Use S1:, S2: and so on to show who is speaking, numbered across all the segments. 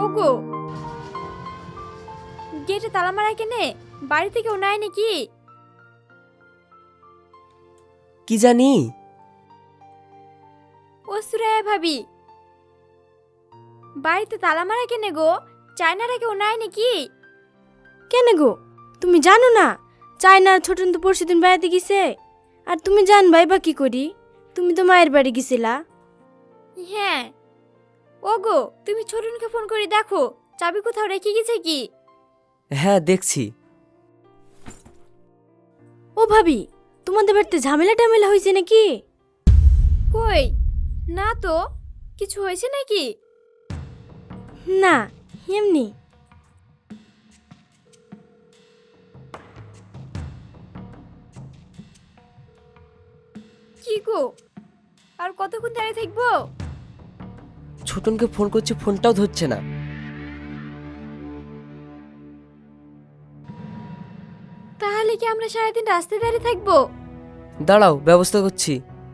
S1: ওগো, গেটে তালা মারা কেনে? বাড়ি থেকে ও নাই নাকি?
S2: কি জানি।
S1: ও সুরাইয়া ভাবি, বাড়িতে তালা মারা কেনে গো? চায়নারা কেউ নাই নাকি?
S3: কেন গো, তুমি জানো না চায়নার ছোটন তো পরশুদিন বেড়াতে গেছে? আর তুমি জানবাই বা কি করি? তুমি তো মায়ের বাড়ি গেছিলা।
S1: হ্যাঁ। ওগো, তুমি ছোটনকে ফোন করে দেখো চাবি কোথাও রেখে গেছে কি।
S2: হ্যাঁ দেখছি।
S3: ও ভাবি, তোমাদের বাড়িতে ঝামেলা টামেলা হয়েছে নাকি?
S1: কই না তো, কিছু হয়েছে নাকি?
S3: না, এমনি।
S1: কি গো, আর কতক্ষণ দাঁড়িয়ে থাকবো?
S2: ছোটনকে ফোন করছি, ফোনটাও ধরছে না।
S1: তাহলে কি আমরা সারাদিন রাস্তায় দাঁড়িয়ে থাকবো?
S2: দাঁড়াও, ব্যবস্থা করছি।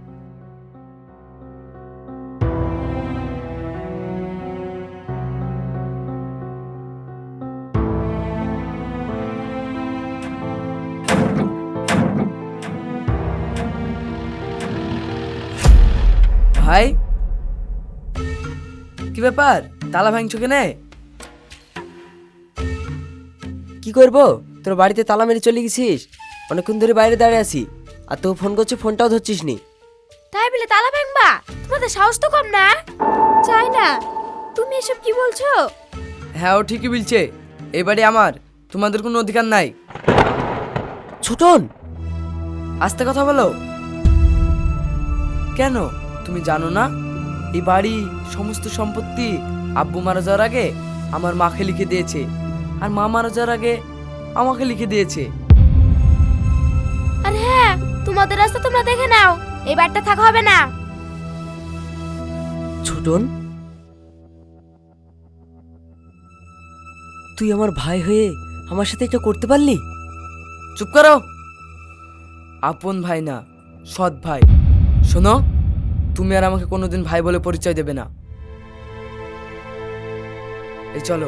S2: ভাই, কি ব্যাপার? তালা ভাঙছো কেনে? কি করবো, তোর বাড়িতে তালা মেরে চলে গেছিস? অনেকক্ষণ ধরে বাইরে দাঁড়িয়ে আছি, আর তো ফোন করছি, ফোনটাও ধরছিস নি।
S1: তাই বলে তালা ভাঙবা? তোমাদের সাহস তো কম না। চাই না, তুমি এসব কি বলছো?
S4: হ্যাঁ, ও ঠিকই বলছে। এই বাড়ি আমার, তোমাদের কোনো অধিকার নাই।
S2: ছোটন,
S4: আস্তে কথা বলো। কেন, তুমি জানো না এই বাড়ি সমস্ত সম্পত্তি আব্বু মারা যাওয়ার আগে আমার মাকে লিখে দিয়েছে, আর মা মারা যাওয়ার আগে আমাকে লিখে দিয়েছে।
S3: আর হ্যাঁ, তোমাদের রাস্তা তোমরা দেখে নাও, এই বাড়িটা থাকা হবে না।
S2: ছোটন, তুই আমার ভাই হয়ে আমার সাথে এটা করতে পারলি?
S4: চুপ করো। আপন ভাই না, সৎ ভাই। শোনো, তুমি আর আমাকে কোনোদিন ভাই বলে পরিচয় দেবে না। এই চলো।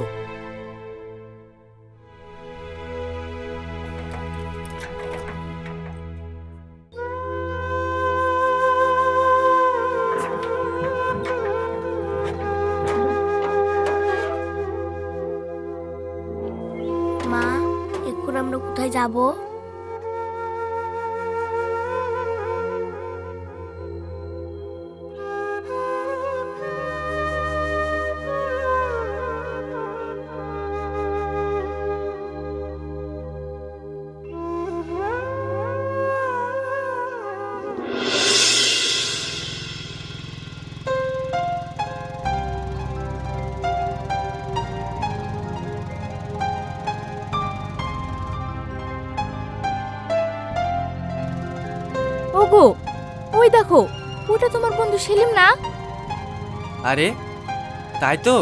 S3: মা, এখন আমরা কোথায় যাব?
S1: ওগো, ওই দেখো, ওটা তোমার বন্ধু সেলিম না?
S5: আরে তাই তো।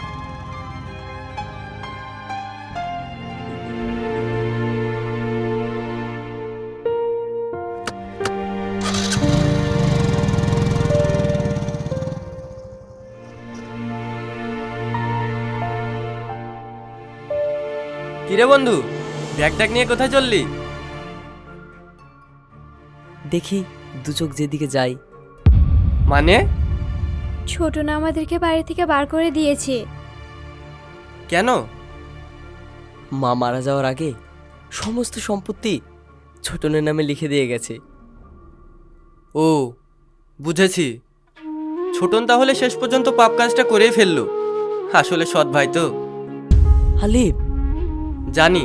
S5: কিরে বন্ধু, ব্যাগ ট্যাগ নিয়ে কোথায় চললি?
S2: দেখি দু চোখ যেদিকে যাই।
S5: মানে?
S1: ছোট না আমাদেরকে বাড়ি থেকে বার করে দিয়েছে।
S5: কেন?
S2: মা মারা যাওয়ার আগে সমস্ত সম্পত্তি ছোটনের নামে লিখে দিয়ে গেছে।
S5: ও, বুঝেছি। ছোটন তাহলে শেষ পর্যন্ত পাপ কাজটা করেই ফেললো। আসলে সৎ ভাই তো।
S2: হালিফ,
S5: জানি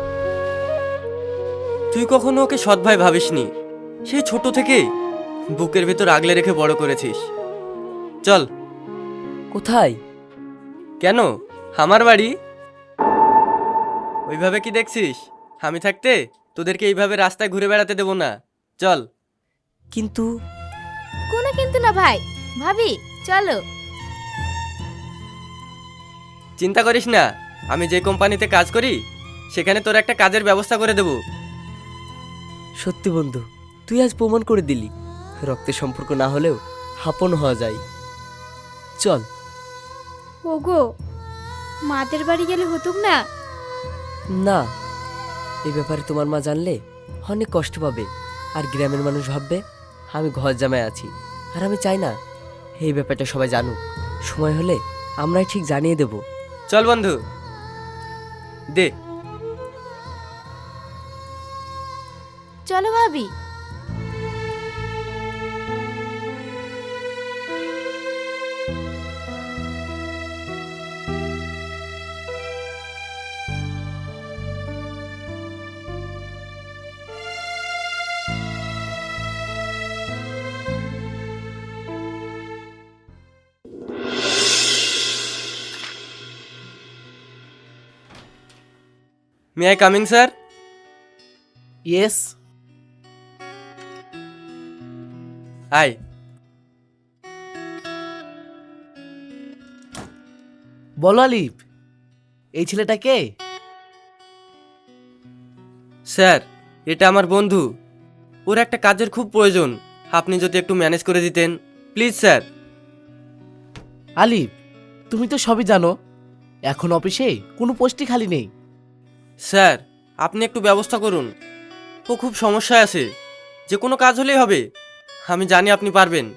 S5: তুই কখনো ওকে সৎ ভাই ভাবিসনি। সেই ছোট থেকেই বুকের ভেতর আগলে রেখে বড় করেছিস। চল।
S2: কোথায়?
S5: কেন, আমার বাড়ি। ওইভাবে কি দেখছিস? আমি থাকতে তোদেরকে এইভাবে রাস্তায় ঘুরে বেড়াতে দেবো না। চল।
S2: কিন্তু
S1: কোনো কিন্তু না ভাই, ভাবি চলো।
S5: চিন্তা করিস না, আমি যে কোম্পানিতে কাজ করি সেখানে তোর একটা কাজের ব্যবস্থা করে দেব।
S2: সত্যি বন্ধু, তুই আজ প্রমাণ করে দিলি রক্তের সম্পর্ক না হলেও আপন হওয়া যায়। চল।
S1: ওগো, মাদের বাড়ি গেলে হতুক না?
S2: না, এই ব্যাপারে তোমার মা জানলে অনেক কষ্ট পাবে, আর গ্রামের মানুষ ভাববে আমি ঘর জামাই আছি। আর আমি চাই না এই ব্যাপারটা সবাই জানুক। সময় হলে আমরাই ঠিক জানিয়ে দেব।
S5: চল বন্ধু, দে।
S3: চলো ভাবি।
S5: May I coming sir?
S6: Yes.
S5: আই।
S6: বলো আলিফ, এই ছেলেটা কে?
S5: স্যার, এটা আমার বন্ধু। ওর একটা কাজের খুব প্রয়োজন, আপনি যদি একটু ম্যানেজ করে দিতেন প্লিজ স্যার।
S6: আলিফ, তুমি তো সবই জানো, এখন অফিসে কোনো পোস্টই খালি নেই।
S5: স্যার, আপনি একটু ব্যবস্থা করুন। ও খুব সমস্যায় আছে, যে কোনো কাজ হলেই হবে। আমি জানি আপনি পারবেন।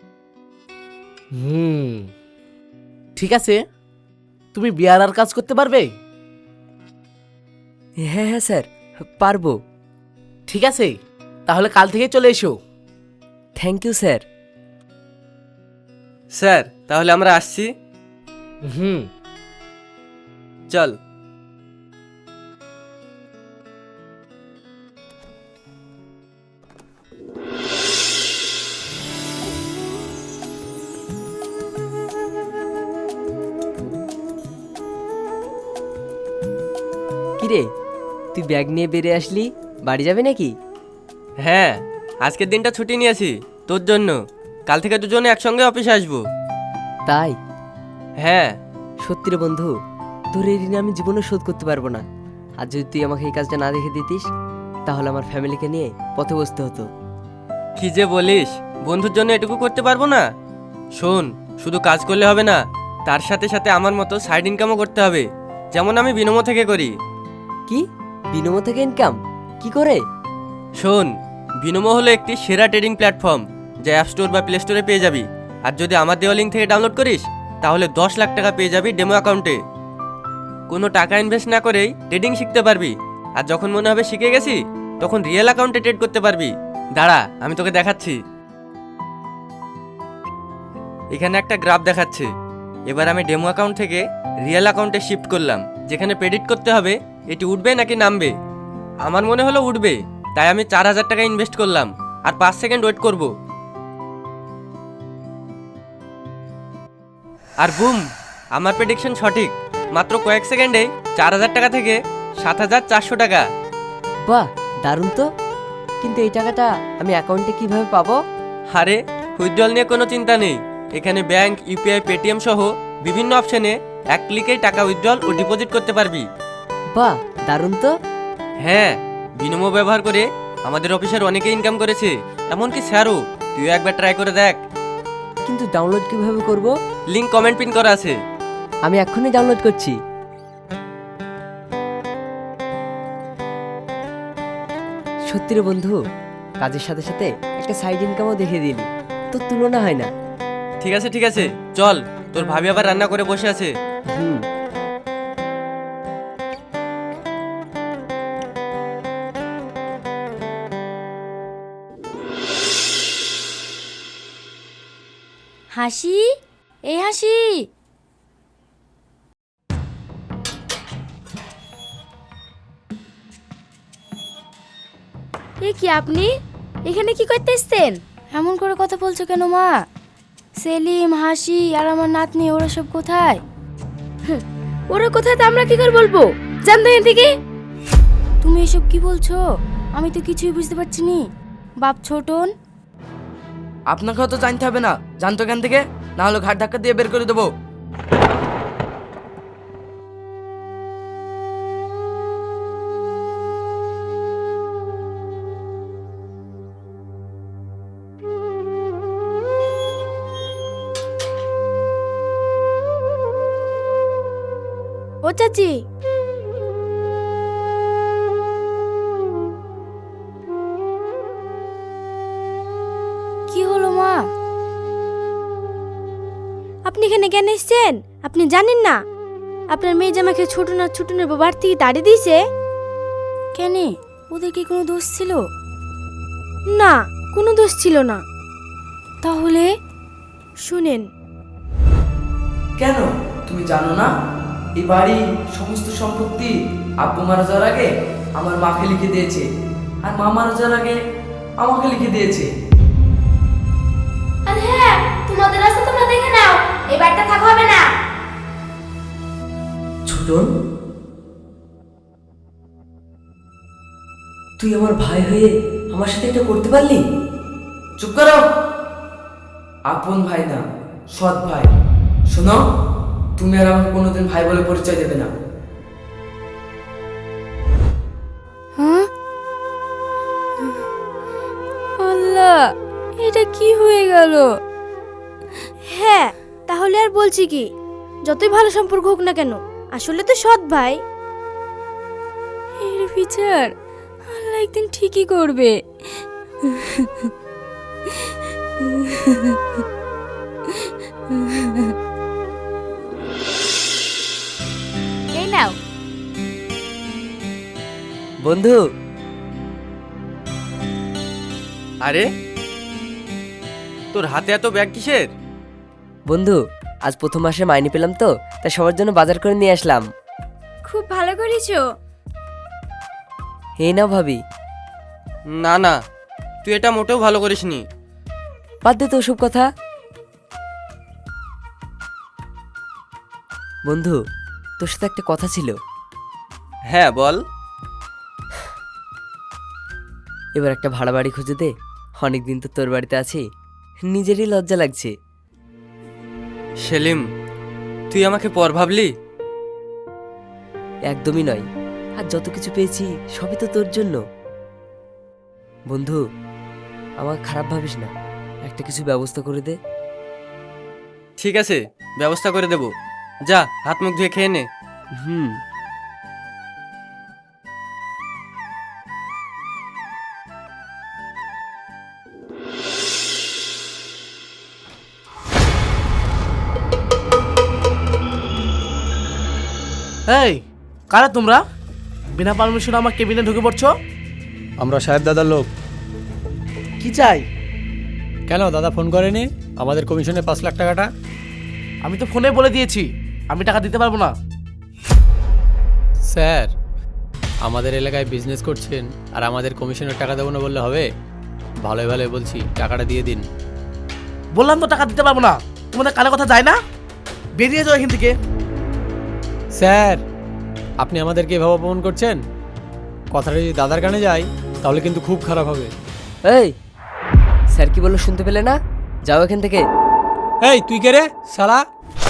S6: ঠিক আছে, তুমি বিয়ার আর কাজ করতে পারবে?
S2: হ্যাঁ হ্যাঁ স্যার, পারবো।
S6: ঠিক আছে, তাহলে কাল থেকে চলে এসো।
S2: Thank you sir.
S5: স্যার, তাহলে আমরা আসছি।
S6: হুম।
S5: চল।
S2: কিরে, তুই ব্যাগ নিয়ে বেরিয়ে আসলি, বাড়ি যাবে নাকি?
S5: হ্যাঁ, আজকের দিনটা ছুটি নিয়েছি তোর জন্য। কাল থেকে দুজনে একসঙ্গে অফিসে আসবো।
S2: তাই?
S5: হ্যাঁ।
S2: সত্যি রে বন্ধু, তোর এই ঋণ আমি জীবনে শোধ করতে পারবো না। আর যদি তুই আমাকে এই কাজটা না দেখে দিতিস, তাহলে আমার ফ্যামিলিকে নিয়ে পথে বসতে হতো।
S5: কি যে বলিস, বন্ধুর জন্য এটুকু করতে পারবো না? শোন, শুধু কাজ করলে হবে না, তার সাথে সাথে আমার মতো সাইড ইনকামও করতে হবে, যেমন আমি বিনমো থেকে করি।
S2: কি? বিনমো থেকে ইনকাম? কি করে?
S5: শোন, বিনমো হলো একটি সেরা ট্রেডিং প্ল্যাটফর্ম, যা অ্যাপ স্টোর বা প্লে স্টোরে পেয়ে যাবি। আর যদি আমার দেওয়া লিঙ্ক থেকে ডাউনলোড করিস, তাহলে 10 লাখ টাকা পেয়ে যাবি ডেমো অ্যাকাউন্টে। কোনো টাকা ইনভেস্ট না করেই ট্রেডিং শিখতে পারবি। আর যখন মনে হবে শিখে গেছি, তখন রিয়েল অ্যাকাউন্টে ট্রেড করতে পারবি। দাঁড়া, আমি তোকে দেখাচ্ছি। এখানে একটা গ্রাফ দেখাচ্ছে। এবার আমি ডেমো অ্যাকাউন্ট থেকে রিয়েল অ্যাকাউন্টে শিফট করলাম, যেখানে প্রেডিক্ট করতে হবে এটি উঠবে নাকি নামবে। আমার মনে হলো উঠবে, তাই আমি 4,000 টাকা ইনভেস্ট করলাম আর 5 সেকেন্ড ওয়েট করব। আর বুম, আমার প্রেডিকশন সঠিক। মাত্র কয়েক সেকেন্ডে 4,000 টাকা থেকে 7,400 টাকা।
S2: বাহ, দারুণ তো। কিন্তু এই টাকাটা আমি অ্যাকাউন্টে কিভাবে পাবো?
S5: আরে, উইথড্রল নিয়ে কোনো চিন্তা নেই। এখানে ব্যাংক, ইউপিআই, পেটিএম সহ বিভিন্ন অপশনে এক ক্লিকেই টাকা উইথড্রল ও ডিপোজিট করতে পারবি।
S2: বাহ, দারুণ তো।
S5: হ্যাঁ, বিনমো ব্যবহার করে আমাদের অফিসের অনেকে ইনকাম করেছে, এমনকি স্যারও। তুইও একবার ট্রাই করে দেখ।
S2: কিন্তু ডাউনলোড কিভাবে করব?
S5: লিংক কমেন্ট পিন করা আছে।
S2: আমি এক্ষুনি ডাউনলোড করছি। সত্যি রে বন্ধু, কাজের সাথে সাথে একটা সাইড ইনকামও দেখে দিলি, তোর তুলনা হয় না।
S5: ঠিক আছে ঠিক আছে, চল। তোর ভাবি আবার রান্না করে বসে আছে।
S2: হুম।
S3: হাসি, এই হাসি।
S1: এ কি আপনি এখানে কি করতে এসছেন?
S3: এমন করে কথা বলছো কেন মা? সেলিম, হাসি আর আমার নাতনি ওরা সব কোথায়?
S1: ওরা কোথায় তা আমরা কি করে বলবো? জান তো এখান থেকে।
S3: তুমি এসব কি বলছো? আমি তো কিছুই বুঝতে পারছি নি। বাপ ছোটন।
S4: আপনাকেও তো জানতে হবে না, জানতো এখান থেকে, না হলে ঘাট ধাক্কা দিয়ে বের করে দেবো।
S3: ও চাচি,
S1: কি হলো মা?
S3: আপনি এখানে কেন এসেছেন? আপনি জানেন না আপনার মেয়ে জামাকে ছোটনের বাবার থেকে তাড়িয়ে দিয়েছে?
S1: কেন, ওদের কি কোনো দোষ ছিল?
S3: না, কোনো দোষ ছিল না।
S1: তাহলে
S3: শুনেন,
S4: কেন তুমি জানো না এই বাড়ি সমস্ত সম্পত্তি আব্বু মারা যাওয়ার আগে আমার মাকে লিখে দিয়েছে, আর মা মারা যাওয়ার আগে আমাকে লিখে দিয়েছে।
S1: আর হ্যাঁ, তোমাদের রাস্তা তোমরা দেখে নাও, এই বাড়িটা থাকা হবে না।
S2: ছোটন, তুই আমার ভাই হয়ে আমার সাথে এটা করতে পারলি?
S4: চুপ করো, আপন ভাই না, সৎ ভাই। শোনো, তুমি আর আমাকে কোনোদিন ভাই বলে পরিচয় দেবে না।
S1: হ্যাঁ, আল্লাহ, এটা কি হয়ে গেল?
S3: হ্যাঁ তাহলে আর বলছি কি, যতই ভালো সম্পর্ক হোক না কেন, আসলে তো সৎ ভাই।
S1: এর বিচার আল্লাহ একদিন ঠিকই করবে। এই নাও।
S2: বন্ধু,
S5: আরে তোর হাতে এত ব্যাগ কিসের?
S2: বন্ধু, আজ প্রথম মাসে মাইনে পেলাম তো, তাই সবার জন্য বাজার করে নিয়ে আসলাম।
S1: খুব ভালো করেছো।
S2: এই নাও ভাবি।
S5: না না, তুই এটা মোটেও ভালো করিসনি।
S2: বাদ দে তো ওসব কথা। বন্ধু, তোর সাথে একটা কথা ছিল।
S5: হ্যাঁ বল।
S2: এবার একটা ভাড়া বাড়ি খুঁজে দে, অনেকদিন তো তোর বাড়িতে আছি, নিজেরই লজ্জা লাগছে।
S5: সেলিম, তুই আমাকে পর ভাবলি?
S2: একদমই নয়, আর যত কিছু পেয়েছি সবই তো তোর জন্য। বন্ধু, আমাকে খারাপ ভাবিস না, একটা কিছু ব্যবস্থা করে দে।
S5: ঠিক আছে, ব্যবস্থা করে দেব। যা, হাত মুখ ধুয়ে খেয়ে নে।
S2: হুম।
S6: এই, কারা তোমরা? বিনা পারমিশনে আমার কেবিনে ঢুকে পড়ছো?
S7: আমরা সাহেব দাদার লোক।
S6: কি চাই?
S7: কেন দাদা ফোন করেনি আমাদের কমিশনে 5 লাখ টাকাটা?
S6: আমি তো ফোনে বলে দিয়েছি আমি টাকা দিতে পারবো না।
S7: স্যার, আমাদের এলাকায় বিজনেস করছেন আর আমাদের কমিশনের টাকা দেবো না বললে হবে? ভালোই ভালোই বলছি, টাকাটা দিয়ে দিন।
S6: বললাম তো টাকা দিতে পারবো না। তোমাদের কানে কথা যায় না? বেরিয়ে যাও এখান থেকে।
S7: স্যার, আপনি আমাদেরকে এভাবে অপমান করছেন। কথাটা যদি দাদার কানে যায় তাহলে কিন্তু খুব খারাপ হবে।
S2: এই, স্যার কি বললো শুনতে পেলে না? যাও এখান থেকে।
S7: এই তুই কে রে শালা?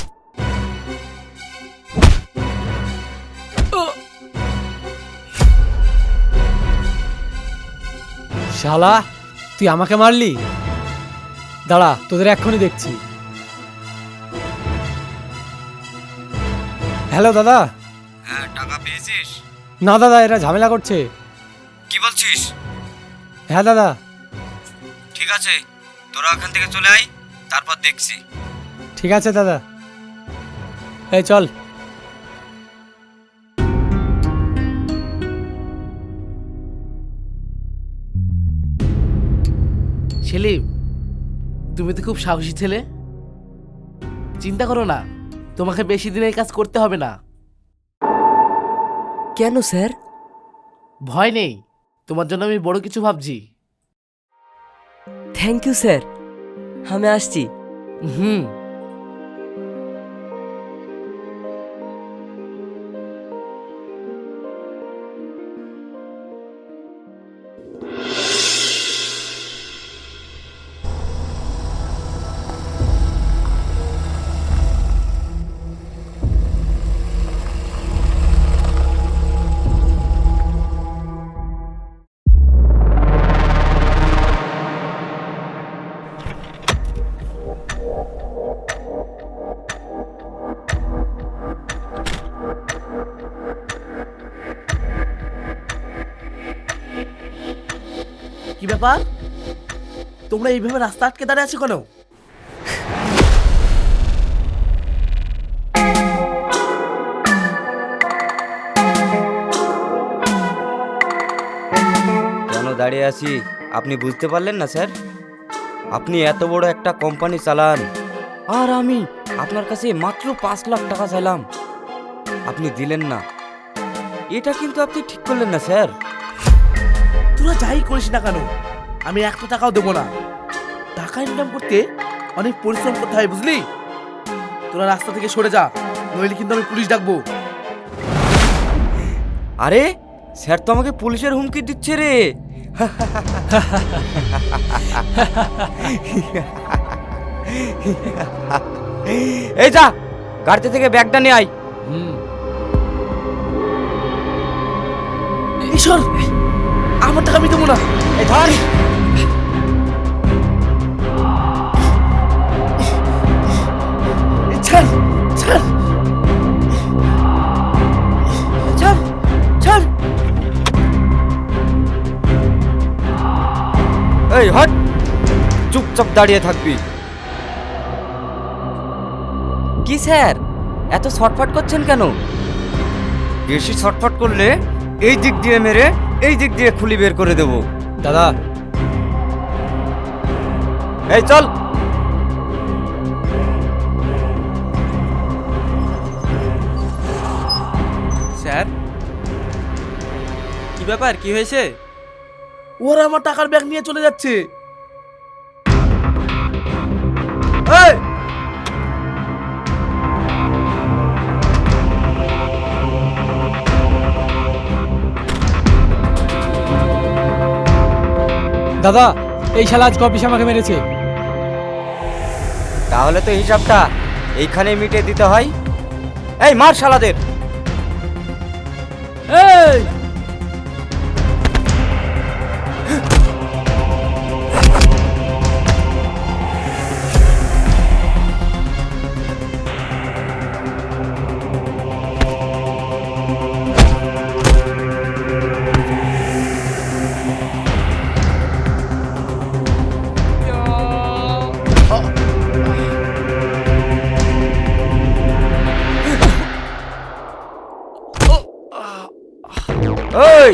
S7: শালা, তুই আমাকে মারলি? দাঁড়া, তোদের এক্ষুনি দেখছি। হ্যালো দাদা।
S5: হ্যাঁ, টাকা পেয়েছিস?
S7: না দাদা, এরা ঝামেলা করছে।
S5: কি বলছিস?
S7: হ্যাঁ দাদা।
S5: ঠিক আছে, তোরা এখান থেকে চলে আয়, তারপর দেখছি।
S7: ঠিক আছে দাদা, এই চল।
S6: সেলিম, তুমি তো খুব সাহসী ছেলে। চিন্তা করো না, তোমাকে বেশি দিন এই কাজ করতে হবে না।
S2: কেন স্যার?
S6: ভয় নেই, তোমার জন্য আমি বড় কিছু ভাবছি।
S2: থ্যাংক ইউ স্যার, আমি আসছি।
S6: হুম। ব্যাপার, তোমরা এইভাবে রাস্তা আটকে দাঁড়িয়ে আছো কেন?
S8: কেন দাঁড়িয়ে আছি আপনি বুঝতে পারলেন না স্যার? আপনি এত বড় একটা কোম্পানি চালান, আর আমি আপনার কাছে মাত্র 5 লাখ টাকা চাইলাম, আপনি দিলেন না। এটা কিন্তু আপনি ঠিক করলেন না স্যার।
S6: তোরা যাই করিস না কেন, আমি 1 টাকাও দেবো না। টাকা ইনকাম করতে অনেক পরিশ্রম করতে হয়, বুঝলি? তোরা রাস্তা থেকে সরে যা, নইলে কিন্তু আমি পুলিশ ডাকবো।
S8: আরে স্যার তো আমাকে পুলিশের হুমকি দিচ্ছে রে। এই যা, গাড়িতে থেকে ব্যাগটা নিয়ে আয়।
S6: ঈশ্বর, আমার টাকা আমি দেবো না।
S8: এই ধর।
S6: ছাড় ছাড় ছাড় ছাড়।
S8: এই হট, চুপচাপ দাঁড়িয়ে থাকবি। কি স্যার, এত ছটফট করছেন কেন? বেশি ছটফট করলে এই দিক দিয়ে মেরে এই দিক দিয়ে খুলি বের করে দেব।
S7: দাদা,
S8: এই চল।
S5: স্যার, কি ব্যাপার, কি হয়েছে?
S6: ওরা আমার টাকার ব্যাগ নিয়ে চলে যাচ্ছে।
S8: এই
S7: দাদা, এই শালা আজকে অফিসে আমাকে মেরেছে।
S8: তাহলে তো হিসাবটা এইখানে মিটিয়ে দিতে হয়। এই মার শালাদের।
S6: এই
S8: এই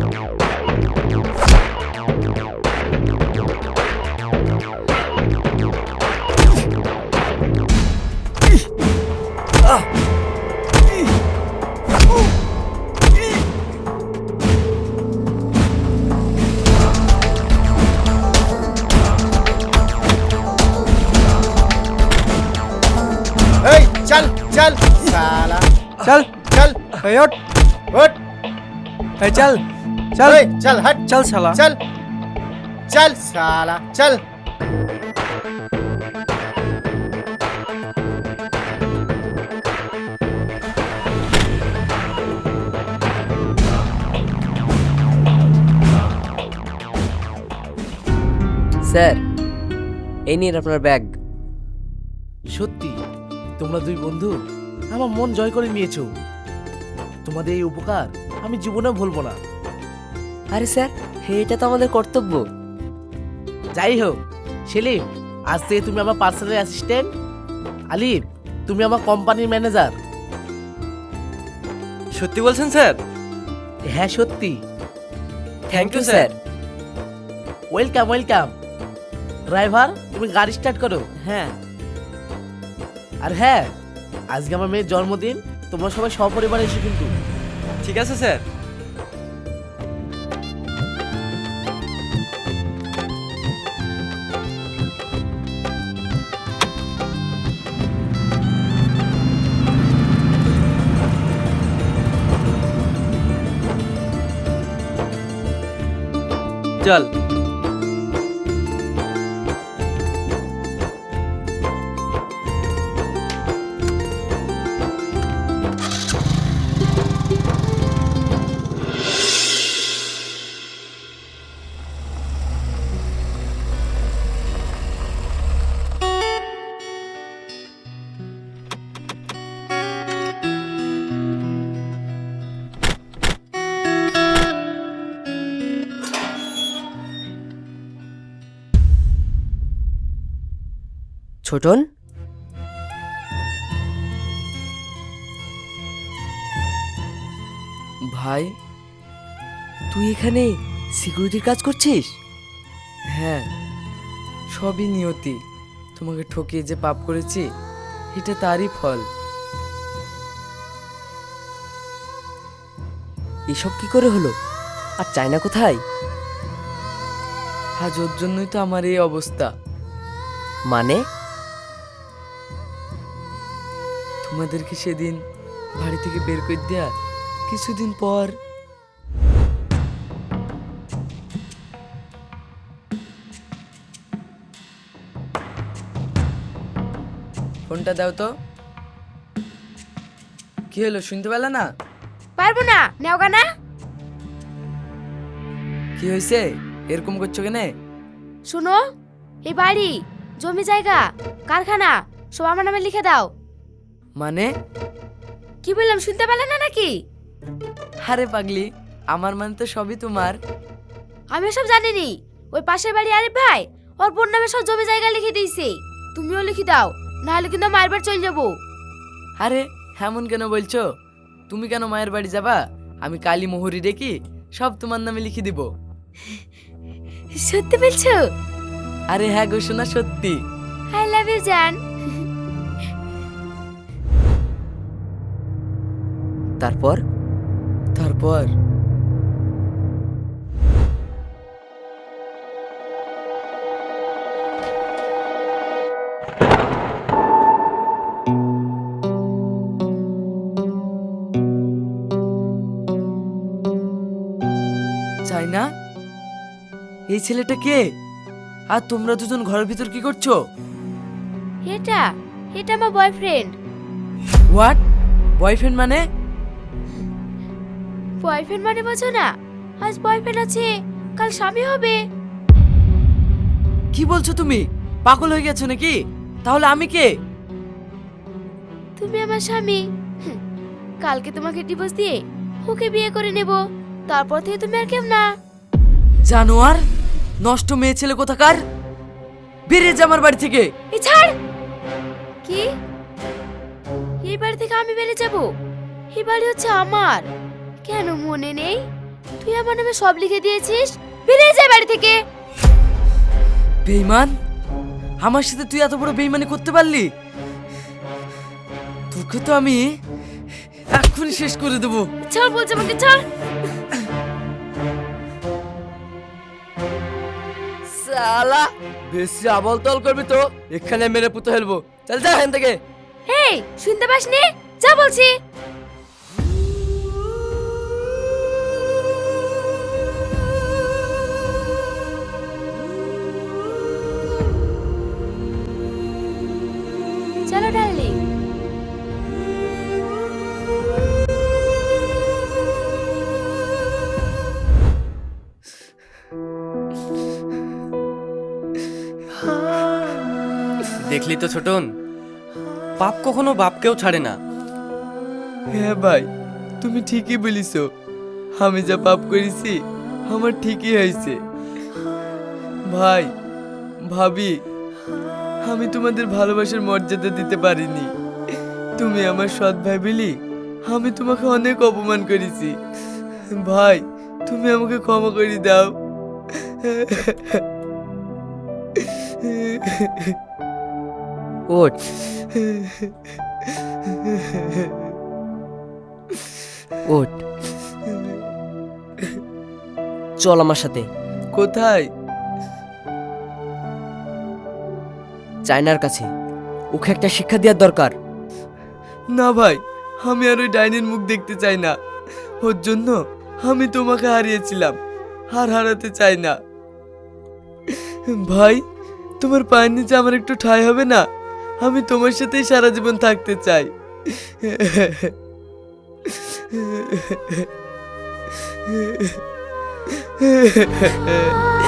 S9: এই চল চল সালা
S7: চল
S9: চল
S7: এই ওঠ,
S9: উঠ
S7: এই চল চল
S9: এই চল হট
S7: চল শালা।
S9: চল চল সালা চল
S2: স্যার, এই নিন আপনার ব্যাগ।
S6: সত্যি তোমরা দুই বন্ধু আমার মন জয় করে নিয়েছো। তোমাদের এই উপকার আমি জীবনেও ভুলবো না।
S2: আরে স্যার, এটা তো আমাদের কর্তব্য।
S6: যাই হোক, সেলিম, আজ থেকে তুমি আমার পার্সোনাল অ্যাসিস্ট্যান্ট। আলিফ, তুমি আমার কোম্পানির ম্যানেজার।
S5: সত্যি বলছেন স্যার?
S6: হ্যাঁ সত্যি।
S2: Thank you sir.
S6: Welcome welcome. Driver, তুমি গাড়ি স্টার্ট করো।
S2: হ্যাঁ।
S6: আর হ্যাঁ, আজকে আমার মেয়ের জন্মদিন, তোমরা সবাই সপরিবারে এসো কিন্তু।
S5: ঠিক আছে স্যার। চল।
S2: ছোটন,
S4: ভাই,
S2: তুই এখানে সিকিউরিটির কাজ করছিস?
S4: হ্যাঁ, সবই নিয়তি। তোমাকে ঠকিয়ে যে পাপ করেছি, এটা তারই ফল।
S2: এসব কি করে হলো? আর চায়না কোথায়?
S4: আজ ওর জন্যই তো আমার এই অবস্থা।
S2: মানে?
S4: তোমাদেরকে সেদিন বাড়ি থেকে বের করে দেয়া কিছুদিন পর ফোনটা দাও তো। কি হলো, শুনতে পেলে না?
S1: পারবো না, নেওগা না।
S4: কি হয়েছে, এরকম করছো কেনে?
S1: শুনো, এই বাড়ি, জমি জায়গা, কারখানা সব আমার নামে লিখে দাও।
S4: মানে?
S1: কি বললাম, শুনতে পেলে না নাকি?
S4: আরে পাগলি, আমার মানে তো সবই তোমার।
S1: আমি সব জানিনি। ওই পাশের বাড়ি আরিফ ভাই ওর বোন নামে সব জমি জায়গা লিখে দিয়েছে। তুমিও লিখে দাও, নাহলে কিন্তু মায়ের বাড়ি চলে যাবো।
S4: আরে এমন কেন বলছো? তুমি কেন মায়ের বাড়ি যাবা? আমি কালী মোহরি ডেকে সব তোমার নামে লিখে দিব।
S1: সত্যি বলছো?
S4: আরে হ্যাঁ গো শোনা, সত্যি।
S1: আই লাভ ইউ জান।
S2: তারপর?
S4: তারপর চাইনা, এই ছেলেটা কে? আর তোমরা দুজন ঘরের ভিতর কি করছো?
S1: এটা এটা আমার বয়ফ্রেন্ড।
S4: হোয়াট? বয়ফ্রেন্ড মানে?
S1: বয়ফ্রেন্ড মানে বোঝো না? আজ বয়ফ্রেন্ড আছে, কাল স্বামী হবে।
S4: কি বলছো তুমি? পাগল হয়ে গেছো নাকি? তাহলে আমি কে?
S1: তুমি আমার স্বামী। কালকে তোমাকে ডিভোর্স দিয়ে ওকে বিয়ে করে নেব, তারপর থেকে তুমি আর কেউ না।
S4: জানোয়ার, নষ্ট মেয়ে ছেলে কোথাকার, বেরিয়ে যা আমার বাড়ি থেকে।
S1: এই ছাড়। কি? এই বাড়ি থেকে আমি বেরিয়ে যাব? এই বাড়ি হচ্ছে আমার। কেন মনে নেই? তুই আমার নামে সব লিখে দিয়েছিস। বেরিয়ে যা বাড়ি থেকে।
S4: বেঈমান, আমার সাথে তুই এত বড় বেঈমানি করতে পারলি? তোকে তো আমি এক্ষুনি শেষ করে দেবো।
S1: ছাড় বলছে, আমাকে ছাড়।
S2: সালা বেশি আবল তল করবি তো এখানে মেরে পুঁতে ফেলবো। চল যা এখান থেকে।
S1: এই শুনতে পাসনি? যা বলছি। চলো ডার্লিং।
S5: দেখলি তো ছোটন, পাপ কখনো বাপকেও ছাড়ে না।
S4: হ্যাঁ ভাই, তুমি ঠিকই বলিস। আমি যা পাপ করেছি আমার ঠিকই হয়েছে। ভাই ভাবি, আমি তোমাদের ভালোবাসার মর্যাদা দিতে পারিনি। তুমি আমার সৎ ভাই বলি আমি তোমাকে অনেক অপমান করেছি। ভাই তুমি আমাকে ক্ষমা করে দাও।
S2: ওঠ ওঠ, চল আমার সাথে।
S4: কোথায়?
S2: চায়নার কাছে। ওকে একটা শিক্ষা দেওয়ার দরকার।
S4: না ভাই, আমি আর ওই ডাইনির মুখ দেখতে চাই না। ওর জন্য আমি তোমাকে হারিয়েছিলাম, আর হারাতে চাই না। ভাই তোমার পায়ের নিচে আমার একটু ঠাঁই হবে না? আমি তোমার সাথেই সারা জীবন থাকতে চাই।